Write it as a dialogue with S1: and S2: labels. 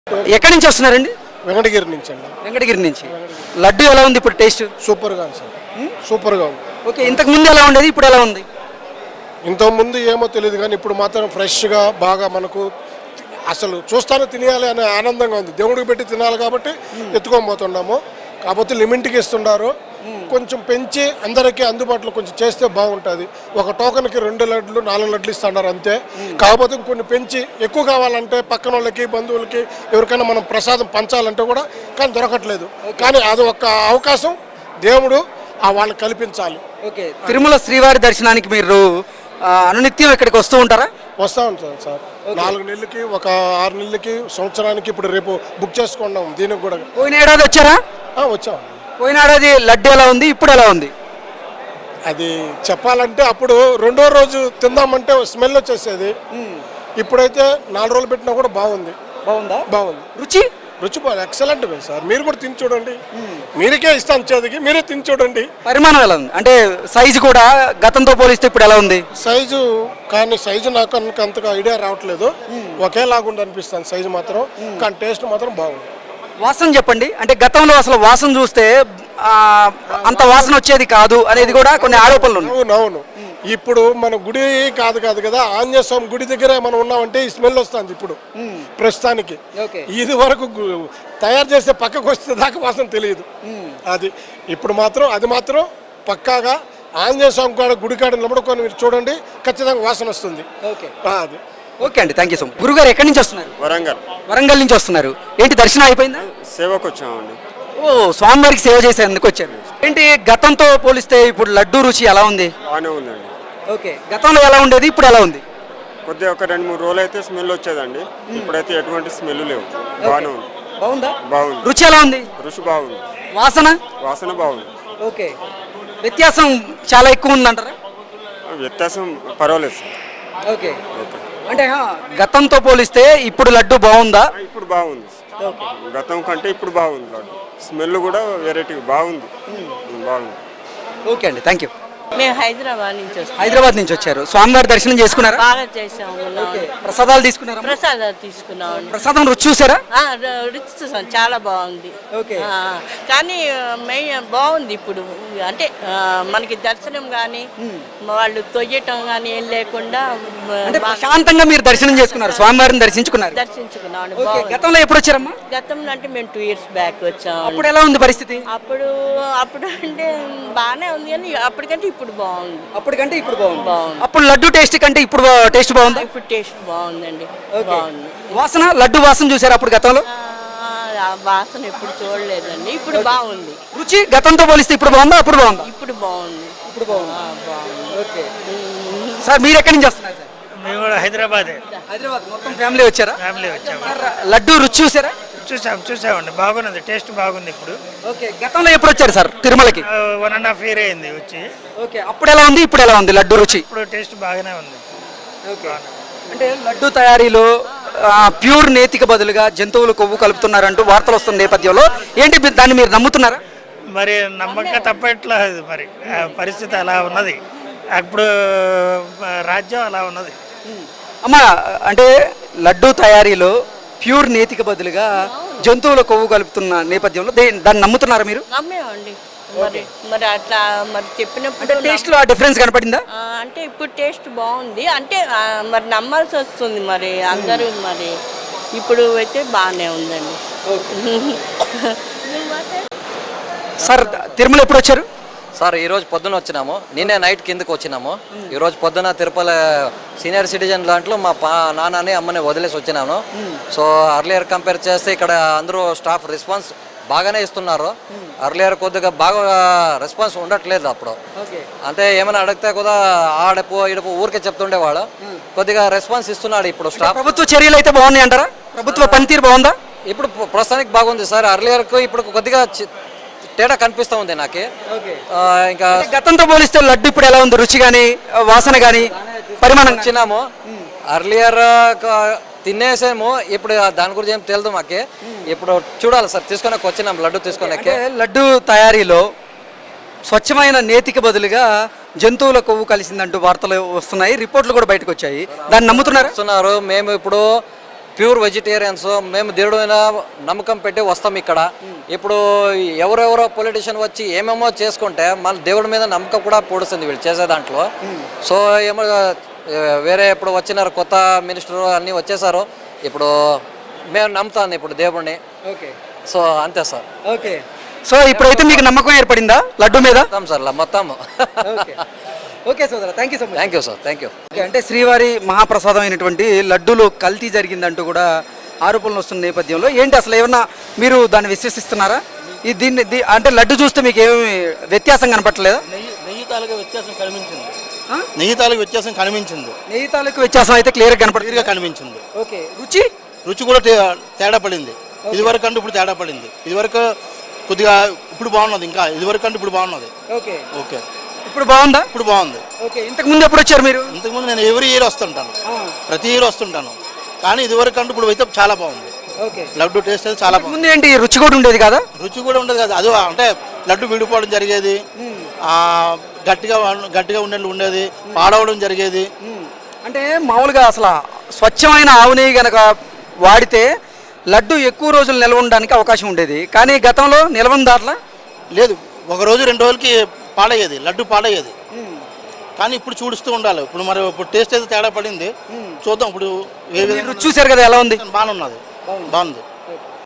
S1: ఎక్కడి నుంచి వస్తున్నారండి?
S2: వెంకటగిరి నుంచి అండి.
S1: వెంకటగిరి నుంచి. లడ్డు ఎలా ఉంది ఇప్పుడు టేస్ట్?
S2: సూపర్గా ఉంది సార్, సూపర్గా ఉంది.
S1: ఓకే, ఇంతకు ముందు ఎలా ఉండేది, ఇప్పుడు ఎలా ఉంది?
S2: ఇంతకుముందు ఏమో తెలియదు కానీ ఇప్పుడు మాత్రం ఫ్రెష్గా బాగా మనకు అసలు చూస్తానే తినేయాలి అనే ఆనందంగా ఉంది. దేవుడికి పెట్టి తినాలి కాబట్టి ఎత్తుకొని పోతున్నాము. కాకపోతే లిమిట్కి ఇస్తున్నారు, కొంచెం పెంచి అందరికీ అందుబాటులో కొంచెం చేస్తే బాగుంటుంది. ఒక టోకన్కి 2 లడ్లు 4 లడ్లు ఇస్తున్నారు అంతే. కాకపోతే కొన్ని పెంచి ఎక్కువ కావాలంటే పక్కన వాళ్ళకి బంధువులకి ఎవరికైనా మనం ప్రసాదం పంచాలంటే కూడా కానీ దొరకట్లేదు. కానీ అది ఒక అవకాశం దేవుడు వాళ్ళకి కల్పించాలి.
S1: ఓకే, తిరుమల శ్రీవారి దర్శనానికి మీరు అనునిత్యం ఇక్కడికి వస్తూ ఉంటారా?
S2: వస్తూ ఉంటాం సార్. 4 నెలలకి, ఒక 6 నెలలకి, సంవత్సరానికి. ఇప్పుడు రేపు బుక్ చేసుకున్నాం దీనికి కూడా.
S1: పోయిన ఏడాది వచ్చారా?
S2: వచ్చాం.
S1: పోయిన ఏడాది లడ్డు ఎలా ఉంది, ఇప్పుడు ఎలా ఉంది?
S2: అది చెప్పాలంటే అప్పుడు 2వ రోజు తిందామంటే స్మెల్ వచ్చేసేది. ఇప్పుడైతే 4 రోజులు పెట్టినా కూడా బాగుంది.
S1: బాగుందా?
S2: బాగుంది.
S1: రుచి
S2: రుచి బాగా ఎక్సలెంట్ సార్. మీరు కూడా తిని చూడండి. మీరికే ఇస్తాను చేతికి, మీరే తిని చూడండి.
S1: పరిమాణం ఎలా ఉంది, అంటే సైజు కూడా గతంతో పోలిస్తే ఇప్పుడు ఎలా ఉంది?
S2: సైజు కానీ సైజు నాకు అంతగా ఐడియా రావట్లేదు. ఒకేలాగుండి అనిపిస్తాను సైజు మాత్రం, కానీ టేస్ట్ మాత్రం బాగుంది.
S1: వాసన చెప్పండి, అంటే గతంలో అసలు వాసన చూస్తే అంత వాసన వచ్చేది కాదు అనేది కూడా కొన్ని ఆరోపణలు ఉన్నాయి.
S2: అవునవును. ఇప్పుడు మన గుడి కాదు కదా, ఆంజనేయ స్వామి గుడి దగ్గర మనం ఉన్నామంటే ఈ స్మెల్ వస్తుంది ఇప్పుడు ప్రస్తుతానికి. ఇది వరకు తయారు చేసే పక్కకు వస్తే దాకా వాసన తెలియదు. అది ఇప్పుడు మాత్రం అది మాత్రం పక్కాగా ఆంజనేయ స్వామి కూడా గుడి కాడ నిలబడుకొని మీరు చూడండి, ఖచ్చితంగా వాసన వస్తుంది. అది
S1: ఓకే అండి, థ్యాంక్ యూ సో మచ్. గురుగారు ఎక్కడి నుంచి వస్తున్నారు? వరంగల్ నుంచి వస్తున్నారు. ఏంటి దర్శనం అయిపోయిందా?
S3: సేవకు వచ్చామండి.
S1: ఓ, స్వామివారికి సేవ చేసేందుకు వచ్చారు. ఏంటి గతంతో పోలిస్తే ఇప్పుడు లడ్డు రుచి ఎలా ఉంది?
S3: బాగానే ఉందండి.
S1: ఓకే, గతంలో ఎలా ఉండేది, ఇప్పుడు ఎలా ఉంది?
S3: కొద్దిగా ఒక 2-3 రోజులు అయితే స్మెల్ వచ్చేదండి. ఇప్పుడైతే ఎటువంటి స్మెల్ లేవు. బాగానే ఉంది.
S1: బాగుందా?
S3: బాగుంది.
S1: రుచి ఎలా ఉంది?
S3: రుచి బాగుంది.
S1: వాసన
S3: బాగుంది.
S1: ఓకే, వ్యత్యాసం చాలా ఎక్కువ ఉందంటారా?
S3: వ్యత్యాసం పర్వాలేదు సార్.
S1: ఓకే, అంటే గతంతో పోలిస్తే ఇప్పుడు లడ్డు బాగుందా?
S3: ఇప్పుడు బాగుంది. గతం కంటే ఇప్పుడు బాగుంది లడ్డు. స్మెల్ కూడా వెరైటీ బాగుంది. బాగుంది.
S1: ఓకే అండి, థ్యాంక్ యూ.
S4: మేము హైదరాబాద్ నుంచి వచ్చాం.
S1: హైదరాబాద్ నుంచి వచ్చారు. స్వామివారి దర్శనం చేసుకున్నారా?
S4: బాగా చేసాము.
S1: ప్రసాదాలు తీసుకున్నారా?
S4: ప్రసాదాలు తీసుకున్నాం.
S1: ప్రసాదం రుచి చూసారా?
S4: రుచి చూసాం, చాలా బాగుంది.
S1: ఓకే,
S4: కానీ బాగుంది ఇప్పుడు. అంటే మనకి దర్శనం కానీ వాళ్ళు తొయ్యటం కానీ ఏం లేకుండా
S1: అంటే ప్రశాంతంగా మీరు దర్శనం చేసుకున్నారు, స్వామివారిని దర్శించుకున్నారు.
S4: దర్శించుకున్నాం.
S1: గతంలో ఎప్పుడు వచ్చారమ్మా?
S4: గతంలో అంటే మేము 2 years బ్యాక్ వచ్చాం.
S1: అప్పుడు ఎలా ఉంది పరిస్థితి?
S4: అప్పుడు అంటే బాగానే ఉంది, కానీ అప్పటికంటే ఇప్పుడు బాగుంది.
S1: అప్పటికంటే ఇప్పుడు బాగుంది. అప్పుడు లడ్డు టేస్ట్ కంటే ఇప్పుడు టేస్ట్ బాగుందా?
S4: ఇప్పుడు టేస్ట్ బాగుందండి. బాగుంది.
S1: వాసన, లడ్డు వాసన చూసారు అప్పుడు గతంలో?
S4: వాసన ఎప్పుడు చూడలేదండి, ఇప్పుడు బాగుంది.
S1: రుచి గతంతో పోలిస్తే ఇప్పుడు బాగుందా, అప్పుడు బాగుందా?
S4: ఇప్పుడు బాగుంది.
S1: ఇప్పుడు బాగుంది. ఓకే సార్, మీరు ఎక్కడి నుంచి వస్తున్నారు సార్?
S5: మేము కూడా హైదరాబాద్
S1: మొత్తం ఫ్యామిలీ వచ్చారా?
S5: ఫ్యామిలీ వచ్చాము.
S1: లడ్డు రుచి చూసారా?
S5: చూసామండి, బాగున్నది, టేస్ట్ బాగుంది ఇప్పుడు.
S1: ఓకే, గతంలో ఎప్పుడు వచ్చారు సార్ తిరుమలకి?
S5: 1.5 year అయింది వచ్చి.
S1: ఓకే, అప్పుడు ఎలా ఉంది, ఇప్పుడు ఎలా ఉంది లడ్డు రుచి?
S5: ఇప్పుడు టేస్ట్ బాగానే ఉంది.
S1: ఓకే, అంటే లడ్డు తయారీలో ప్యూర్ నేతికి బదులుగా జంతువులు కొవ్వు కలుపుతున్నారంటూ వార్తలు వస్తున్న నేపథ్యంలో ఏంటి దాన్ని మీరు నమ్ముతున్నారా?
S5: మరి నమ్మక తప్పట్లేదు, మరి పరిస్థితి అలా ఉన్నది. అప్పుడు రాజ్యం అలా ఉన్నది.
S1: అమ్మా, అంటే లడ్డు తయారీలో ప్యూర్ నేతికి బదులుగా జంతువుల కొవ్వు కలుపుతున్న నేపథ్యంలో దాన్ని నమ్ముతున్నారా మీరు?
S4: నమ్మేమండి. మరి అట్లా మరి చెప్పినప్పుడు
S1: టేస్ట్ లో ఆ డిఫరెన్స్ కనపడిందా?
S4: అంటే ఇప్పుడు టేస్ట్ బాగుంది, అంటే మరి నమ్మాల్సి వస్తుంది మరి అందరూ. మరి ఇప్పుడు అయితే బాగానే ఉందండి.
S1: సార్, తిరుమల ఎప్పుడు వచ్చారు?
S6: సార్ ఈరోజు పొద్దున వచ్చినాము, నిన్నే నైట్ కిందకు వచ్చినాము. ఈరోజు పొద్దున తిరుపతి సీనియర్ సిటిజన్ దాంట్లో మా నాన్నని అమ్మని వదిలేసి వచ్చినాను. సో అర్లియర్ కంపేర్ చేస్తే ఇక్కడ అందరూ స్టాఫ్ రెస్పాన్స్ బాగానే ఇస్తున్నారు. అర్లియర్ కొద్దిగా బాగా రెస్పాన్స్ ఉండట్లేదు అప్పుడు. అంటే ఏమైనా అడిగితే కూడా ఆడపు ఈడపు ఊరికే చెప్తుండేవాడు. కొద్దిగా రెస్పాన్స్ ఇస్తున్నాడు ఇప్పుడు స్టాఫ్.
S1: ప్రభుత్వ చర్యలు అయితే బాగున్నాయి అంటారా? ప్రభుత్వ పనితీరు బాగుందా?
S6: ఇప్పుడు ప్రస్తుతానికి బాగుంది సార్. అర్లియర్కు ఇప్పుడు కొద్దిగా తేడా కనిపిస్తూ ఉంది నాకే. ఇంకా
S1: గతంతో పోలిస్తే లడ్డు ఇప్పుడు ఎలా ఉంది, రుచి కానీ వాసన కానీ పరిమాణం?
S6: వచ్చినాము అర్లియర్ తినేసేమో, ఇప్పుడు దాని గురించి ఏం తెలియదు మాకే. ఇప్పుడు చూడాలి సార్, తీసుకొని వచ్చినాం లడ్డు తీసుకొని.
S1: లడ్డు తయారీలో స్వచ్ఛమైన నేతికి బదులుగా జంతువుల కొవ్వు కలిసిందంటూ వార్తలు వస్తున్నాయి, రిపోర్ట్లు కూడా బయటకు వచ్చాయి. దాన్ని నమ్ముతున్నారు?
S6: మేము ఇప్పుడు ప్యూర్ వెజిటేరియన్స్. మేము దేవుడు మీద నమ్మకం పెట్టి వస్తాం ఇక్కడ. ఇప్పుడు ఎవరెవరో పొలిటీషియన్ వచ్చి ఏమేమో చేసుకుంటే మన దేవుడి మీద నమ్మకం కూడా పొడుస్తుంది వీళ్ళు చేసే దాంట్లో. సో ఏమో వేరే ఇప్పుడు వచ్చినారు కొత్త మినిస్టర్ అన్నీ వచ్చేసారు. ఇప్పుడు మేము నమ్ముతాను ఇప్పుడు దేవుడిని.
S1: ఓకే
S6: సో అంతే సార్.
S1: ఓకే. సో ఇప్పుడైతే మీకు నమ్మకం ఏర్పడిందా లడ్డు మీద?
S6: మొత్తం సార్ మొత్తం.
S1: ఓకే ఓకే సోదరా, thank you so much.
S6: Thank you sir, thank you.
S1: Okay, అంటే శ్రీవారి మహాప్రసాదం అయినటువంటి లడ్డూలో కల్తీ జరిగిందంటూ కూడా ఆరోపణలు వస్తున్న నేపథ్యంలో ఏంటి అసలు ఏమన్నా మీరు దాన్ని విశ్వసిస్తున్నారా? అంటే లడ్డు చూస్తే మీకు ఏమి వ్యత్యాసం కనపట్లేదా?
S7: నెయ్యి తాలూకా వ్యత్యాసం కనిపించింది. నెయ్యి తాలూకా వ్యత్యాసం కనిపించింది.
S1: నెయ్యి తాలూకు వ్యత్యాసం అయితే క్లియర్గా
S7: క్లియర్గా కనిపించింది.
S1: ఓకే. రుచి
S7: రుచి కూడా తేడా పడింది. ఇదివరకు అంటే ఇప్పుడు తేడా పడింది. ఇదివరకు కొద్దిగా ఇప్పుడు బాగున్నది, ఇంకా ఇదివరకు అంటే ఇప్పుడు బాగున్నది.
S1: ఓకే
S7: ఓకే
S1: ఇప్పుడు బాగుందా?
S7: ఇప్పుడు బాగుంది.
S1: ఓకే. ఇంతకు ముందు ఎప్పుడు వచ్చారు మీరు?
S7: ఇంతకుముందు నేను ఎవ్రీ ఇయర్ వస్తుంటాను, ప్రతి ఇయర్ వస్తుంటాను. కానీ ఇదివరకు అంటే ఇప్పుడు అయితే చాలా బాగుంది.
S1: ఓకే.
S7: లడ్డు టేస్ట్ అయితే చాలా బాగుంది.
S1: ముందు ఏంటి రుచి కూడా ఉండేది కదా?
S7: రుచి కూడా ఉండదు కదా, అది అంటే లడ్డు విడిపోవడం జరిగేది, గట్టిగా ఉండేది, పాడవడం జరిగేది.
S1: అంటే మామూలుగా అసలు స్వచ్ఛమైన ఆవు నెయ్యి కనుక వాడితే లడ్డు ఎక్కువ రోజులు నిల్వ ఉండడానికి అవకాశం ఉండేది. కానీ గతంలో నిల్వ దాంట్లో
S7: లేదు, ఒక రోజు 2 రోజులకి పాడయ్యేది, లడ్డు పాడయ్యేది. కానీ ఇప్పుడు చూడుస్తూ ఉండాలి. ఇప్పుడు మరి ఇప్పుడు టేస్ట్ అయితే తేడా పడింది. చూద్దాం ఇప్పుడు
S1: రుచి చూసారు కదా ఎలా ఉంది?
S7: బాగున్నది, బాగుంది.